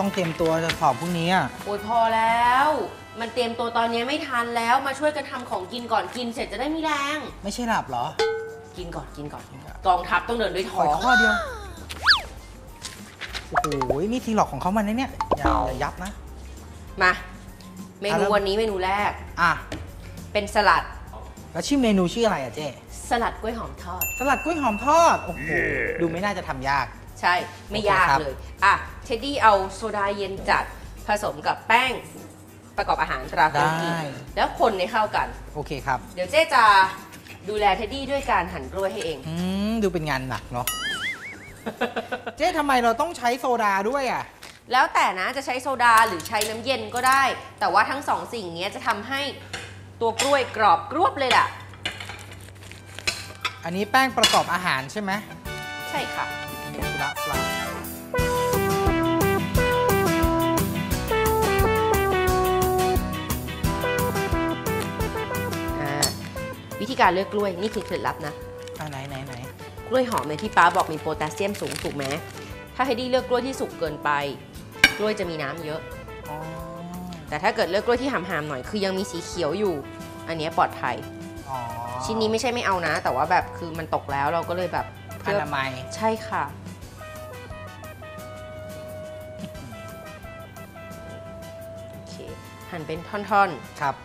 ต้องเตรียมตัวจะสอบพรุ่งนี้อ่ะโอ้ยพอแล้วมันเตรียมตัวตอนนี้ไม่ทันแล้วมาช่วยกันทำของกินก่อนกินเสร็จจะได้มีแรงไม่ใช่หลับเหรอกินก่อนกองทัพต้องเดินด้วยท้องข้อเดียวโอ้โหนี่ทีหลอกของเขามันนะเนี่ยอย่ายับนะมาเมนูวันนี้เมนูแรกเป็นสลัดแล้วชื่อเมนูชื่ออะไรอะเจ๊สลัดกล้วยหอมทอดสลัดกล้วยหอมทอดโอ้โหดูไม่น่าจะทำยากใช่ไม่ยากเลยเท็ดดี้เอาโซดาเย็นจัดผสมกับแป้งประกอบอาหารตราโกกิแล้วคนให้เข้ากันโอเคครับเดี๋ยวเจ๊จะดูแลเท็ดดี้ด้วยการหั่นกล้วยให้เองดูเป็นงานหนักเนาะ เจ๊ทำไมเราต้องใช้โซดาด้วยอ่ะแล้วแต่นะจะใช้โซดาหรือใช้น้ำเย็นก็ได้แต่ว่าทั้งสองสิ่งนี้จะทำให้ตัวกล้วยกรอบกรวบเลยล่ะอันนี้แป้งประกอบอาหารใช่ไหมใช่ค่ะละปลาวิธีการเลือกกล้วยนี่คือเคล็ดลับนะไหนกล้วยหอมเนี่ยที่ป้าบอกมีโพแทสเซียมสูงถูกไหมถ้าเฮดดี้เลือกกล้วยที่สุกเกินไปกล้วยจะมีน้ำเยอะแต่ถ้าเกิดเลือกกล้วยที่หามๆหน่อยคือยังมีสีเขียวอยู่อันนี้ปลอดภัยชิ้นนี้ไม่ใช่ไม่เอานะแต่ว่าแบบคือมันตกแล้วเราก็เลยแบบอนามัยใช่ค่ะโอเคหั่นเป็นท่อนๆครับ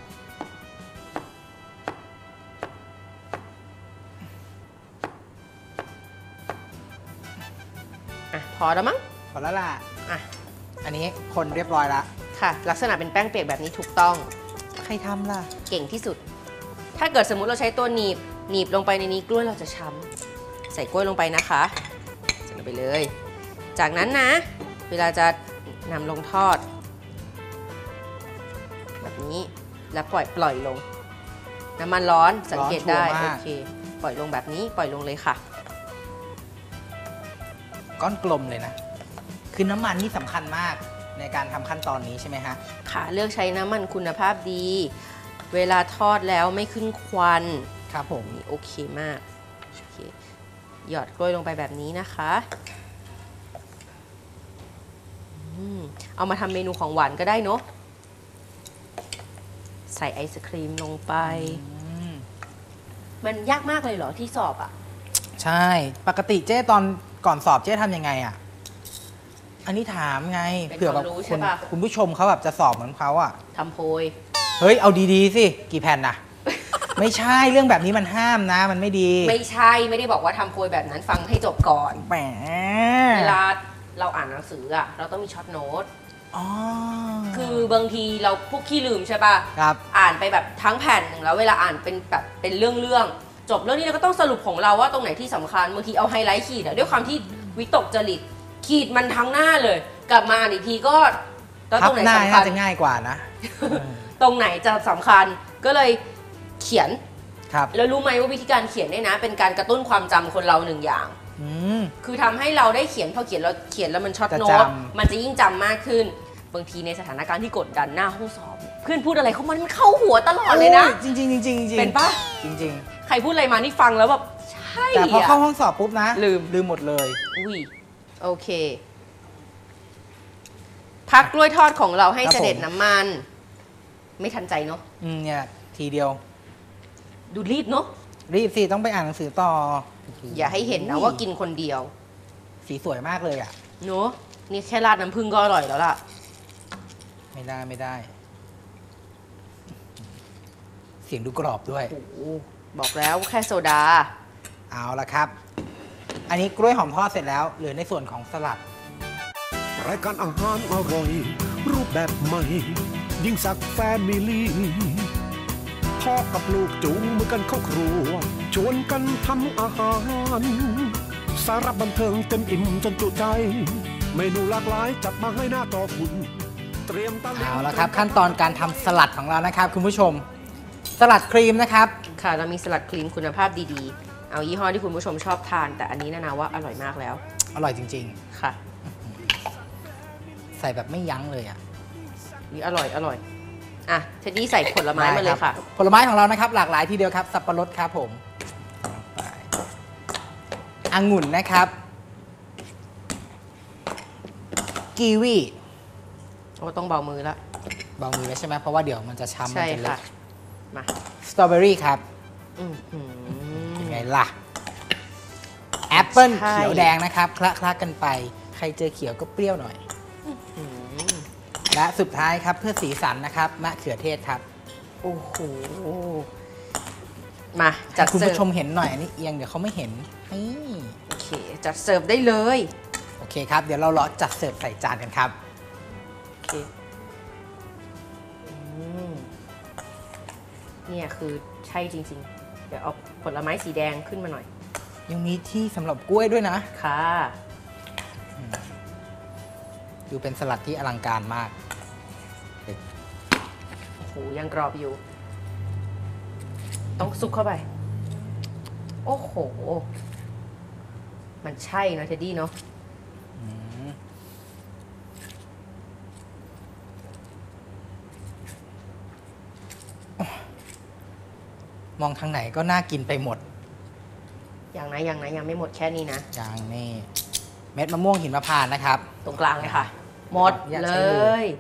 พอแล้วมั้งพอแล้วล่ะอันนี้คนเรียบร้อยแล้วค่ะลักษณะเป็นแป้งเปียกแบบนี้ถูกต้องใครทำล่ะเก่งที่สุดถ้าเกิดสมมุติเราใช้ตัวหนีบลงไปในนี้กล้วยเราจะช้ำใส่กล้วยลงไปนะคะใส่ลงไปเลยจากนั้นนะเวลาจะนำลงทอดแบบนี้แล้วปล่อยลงน้ำมันร้อนสังเกตได้โอเคปล่อยลงแบบนี้ปล่อยลงเลยค่ะก้อนกลมเลยนะคือน้ำมันนี่สำคัญมากในการทำขั้นตอนนี้ใช่ไหมฮะค่ะเลือกใช้น้ำมันคุณภาพดีเวลาทอดแล้วไม่ขึ้นควันครับผมโอเคมากโอเคหยอดกล้วยลงไปแบบนี้นะคะเอามาทำเมนูของหวานก็ได้เนาะใส่ไอศครีมลงไปมันยากมากเลยเหรอที่สอบอ่ะใช่ปกติเจ๊ตอนก่อนสอบเจ๊ทำยังไงอ่ะอันนี้ถามไงเผื่อแบบคุณผู้ชมเขาแบบจะสอบเหมือนเขาอ่ะทำโพยเฮ้ยเอาดีๆสิกี่แผ่นน่ะ ไม่ใช่เรื่องแบบนี้มันห้ามนะมันไม่ดีไม่ใช่ไม่ได้บอกว่าทำโพยแบบนั้นฟังให้จบก่อนแหมเวลาเราอ่านหนังสืออ่ะเราต้องมีช็อตโน้ตคือบางทีเราพวกขี้ลืมใช่ป่ะครับอ่านไปแบบทั้งแผ่นหนึ่งแล้วเวลาอ่านเป็นแบบเป็นเรื่องจบเรื่องนี้เราก็ต้องสรุปของเราว่าตรงไหนที่สำคัญบางทีเอาไฮไลท์ขีดด้วยความที่วิตกจริตขีดมันทั้งหน้าเลยกลับมาอีกทีก็ตรงไหนสำคัญจะง่ายกว่านะตรงไหนจะสำคัญก็เลยเขียนครับแล้วรู้ไหมว่าวิธีการเขียนเนี่ยนะเป็นการกระตุ้นความจำคนเราหนึ่งอย่างคือทำให้เราได้เขียนพอเขียนแล้วมันช็อตโน้ตมันจะยิ่งจำมากขึ้นบางทีในสถานการณ์ที่กดดันหน้าห้องสอบเพื่อนพูดอะไรเขามันเข้าหัวตลอดเลยนะจริงเป็นปะจริงใครพูดอะไรมานี่ฟังแล้วแบบใช่แต่พอเข้าห้องสอบปุ๊บนะลืมหมดเลยอุ้ยโอเคพักกล้วยทอดของเราให้เสด็จน้ำมันไม่ทันใจเนาะเนี่ยทีเดียวดูรีบเนาะรีบสิต้องไปอ่านหนังสือต่ออย่าให้เห็นนะว่ากินคนเดียวสีสวยมากเลยอ่ะเนาะนี่แค่ราดน้ำผึ้งก็อร่อยแล้วล่ะไม่ได้เสียงดูกรอบด้วยบอกแล้วแค่โซดาเอาละครับอันนี้กล้วยหอมทอดเสร็จแล้วเหลือในส่วนของสลัดรายการอาหารอร่อยรูปแบบใหม่ยิ่งสักแฟมิลี่พ่อกับลูกจูงมือกันเข้าครัวชวนกันทำอาหารสาระบันเทิงเต็มอิ่มจนจุใจเมนูหลากหลายจัดมาให้หน้าต่อคุณเตรียมเอาละครับขั้นตอนการทำสลัดของเรานะครับคุณผู้ชมสลัดครีมนะครับค่ะเรามีสลัดครีมคุณภาพดีๆเอายี่ห้อที่คุณผู้ชมชอบทานแต่อันนี้นะว่าอร่อยมากแล้วอร่อยจริงๆค่ะใส่แบบไม่ยั้งเลยอ่ะนี่อร่อยอ่ะเท็ดดี้ใส่ผลไม้มาเลยค่ะผลไม้ของเรานะครับหลากหลายทีเดียวครับสับปะรดครับผมองุ่นนะครับกีวีโอ้ต้องเบามือแล้วเบามือแล้วใช่ไหมเพราะว่าเดี๋ยวมันจะช้ำมันใช่จะเละค่ะมาสตรอเบอรี่ครับอื้อหือยังไงล่ะแอปเปิ้ลใช่เขียวแดงนะครับคละกันไปใครเจอเขียวก็เปรี้ยวหน่อยอื้อและสุดท้ายครับเพื่อสีสันนะครับมะเขือเทศครับโอ้โหมาจัดคุณเสิร์ผู้ฟชมเห็นหน่อยอันนี้เอียงเดี๋ยวเขาไม่เห็นนี่โอเคจัดเสิร์ฟได้เลยโอเคครับเดี๋ยวเรารอจัดเสิร์ฟใส่จานกันครับโอเคเนี่ยคือใช่จริงๆ เดี๋ยวเอาผลไม้สีแดงขึ้นมาหน่อยยังมีที่สำหรับกล้วยด้วยนะค่ะดูเป็นสลัดที่อลังการมากโอ้โหยังกรอบอยู่ ต้องซุกเข้าไป โอ้โห มันใช่เนอะเท็ดดี้เนาะมองทางไหนก็น่ากินไปหมดอย่างนะยังไม่หมดแค่นี้นะอย่างนี่เม็ดมะม่วงหินมะพร้าวนะครับตรงกลางเลยค่ะ หมดอย่าเลใช้มือย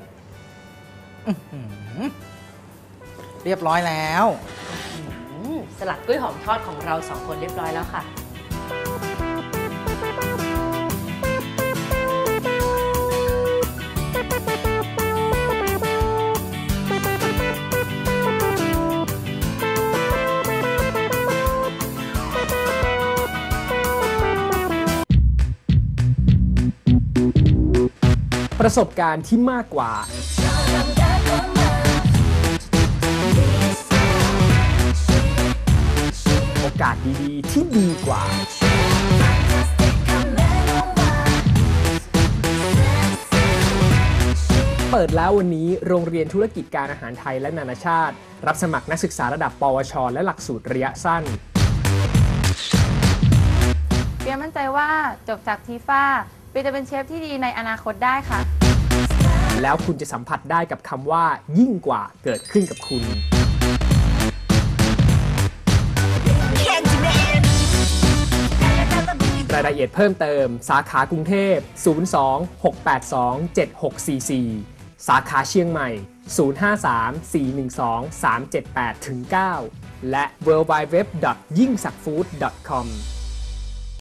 เรียบร้อยแล้วสลัดกล้วยหอมทอดของเราสองคนเรียบร้อยแล้วค่ะประสบการณ์ที่มากกว่า โอกาสดีๆที่ดีกว่า เปิดแล้ววันนี้โรงเรียนธุรกิจการอาหารไทยและนานาชาติ รับสมัครนักศึกษาระดับปวช และหลักสูตรระยะสั้นเปียมั่นใจว่าจบจากทีฟ้าเปียจะเป็นเชฟที่ดีในอนาคตได้ค่ะแล้วคุณจะสัมผัสได้กับคำว่ายิ่งกว่าเกิดขึ้นกับคุณ รายละเอียดเพิ่มเติมสาขากรุงเทพ 02-682-7644 สาขาเชียงใหม่ 053-412-378-9 และ www.yingsakfood.com